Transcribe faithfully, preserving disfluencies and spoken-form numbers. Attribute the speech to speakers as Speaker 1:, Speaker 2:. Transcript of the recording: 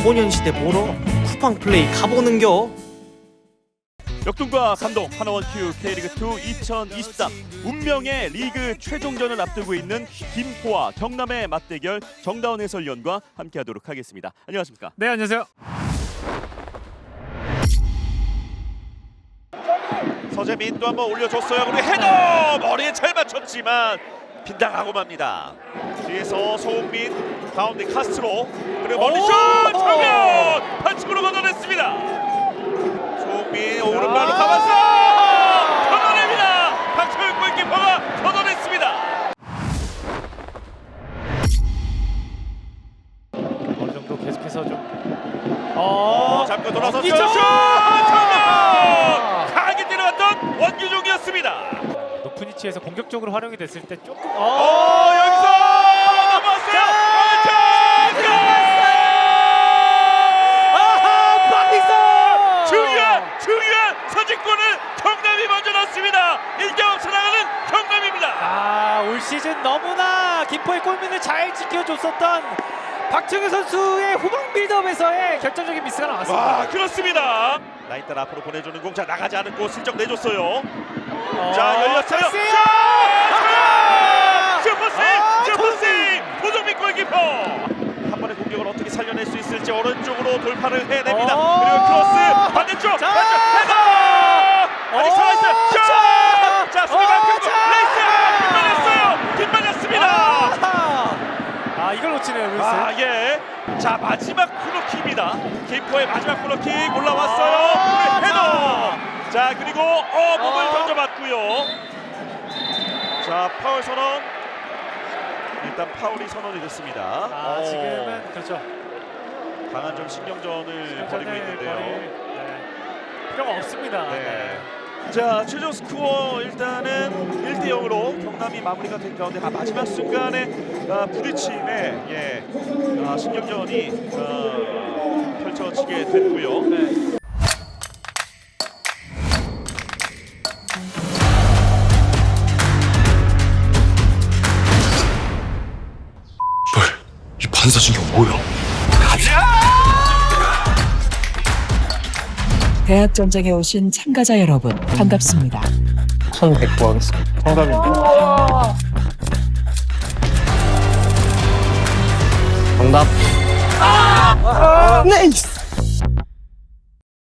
Speaker 1: 소년시대 보러 쿠팡 플레이 가보는겨.
Speaker 2: 역동과 감동 하나원 큐 K리그투 이천이십삼 운명의 리그 최종전을 앞두고 있는 김포와 경남의 맞대결 정다운 해설위원과 함께하도록 하겠습니다. 안녕하십니까?
Speaker 3: 네, 안녕하세요.
Speaker 2: 서재민 또 한번 올려줬어요. 그리고 헤더 머리에 잘 맞췄지만 빗나가고 맙니다. 뒤에서 소흥민, 가운데 카스트로, 그리고 멀리슛 정면 반칙으로 걷어냈습니다. 소흥민 오른발로 감아서 걷어냅니다. 박철욱 골키퍼가 걷어냈습니다.
Speaker 3: 어느 정도 계속해서 좀 어,
Speaker 2: 잡고 돌아서 슛!
Speaker 3: 원기종!
Speaker 2: 정면! 강하게 때려왔던 원규종이었습니다.
Speaker 3: 높은 위치에서 공격적으로 활용이 됐을 때 조금
Speaker 2: 어,
Speaker 3: 어,
Speaker 2: 여기서 넘어왔어요. 골!
Speaker 3: 아하, 박이서!
Speaker 2: 중요한 중요한 선제골을 경남이 먼저 넣습니다. 일 점 앞서 나가는 경남입니다.
Speaker 3: 아, 올 시즌 너무나 김포의 골문을 잘 지켜줬었던 박정희 선수의 후방 빌드업에서의 결정적인 미스가 나왔습니다.
Speaker 2: 와, 그렇습니다. 라인 따라 앞으로 보내주는 공, 자 나가지 않고 슬쩍 내줬어요.
Speaker 3: 어,
Speaker 2: 자 열렸어요.
Speaker 3: 찬스요!
Speaker 2: 자, 슈퍼 세이브,
Speaker 3: 아,
Speaker 2: 슈퍼 세이브, 도정민 골키퍼. 한 번의 공격을 어떻게 살려낼 수 있을지 오른쪽으로 돌파를 해냅니다.
Speaker 3: 어,
Speaker 2: 그리고 크로스 반대쪽,
Speaker 3: 자,
Speaker 2: 반대쪽 헤더. 아직 살아있어요. 슛!
Speaker 3: 자,
Speaker 2: 자 수비 막히고
Speaker 3: 자,
Speaker 2: 레이스 빗맞았어요. 빗맞았습니다.
Speaker 3: 아, 아, 이걸 놓치네요, 루이스.
Speaker 2: 아 예. 자 마지막 코너킥입니다. 김포의 마지막 코너킥 올라왔어요.
Speaker 3: 아,
Speaker 2: 헤더. 자 그리고 어 몸을
Speaker 3: 어.
Speaker 2: 던져봤고요. 자 파울 선언. 일단 파울이 선언이 됐습니다.
Speaker 3: 아,
Speaker 2: 어,
Speaker 3: 지금은 그렇죠.
Speaker 2: 강한 좀 신경전을 벌이고
Speaker 3: 전을
Speaker 2: 있는데요.
Speaker 3: 벌일, 네, 필요가 없습니다.
Speaker 2: 네. 자 최종 스코어 일단은 일 대 영으로 경남이 마무리가 된 가운데 아, 마지막 순간에 아, 부딪힘에 예, 아, 신경전이 아, 펼쳐지게 됐고요.
Speaker 3: 네.
Speaker 4: 이 반사신경 뭐야?
Speaker 5: 대학 전쟁에 오신 참가자 여러분 반갑습니다.
Speaker 4: 천백 구 하겠습니다. 정답입니다. 정답.
Speaker 5: 네이스.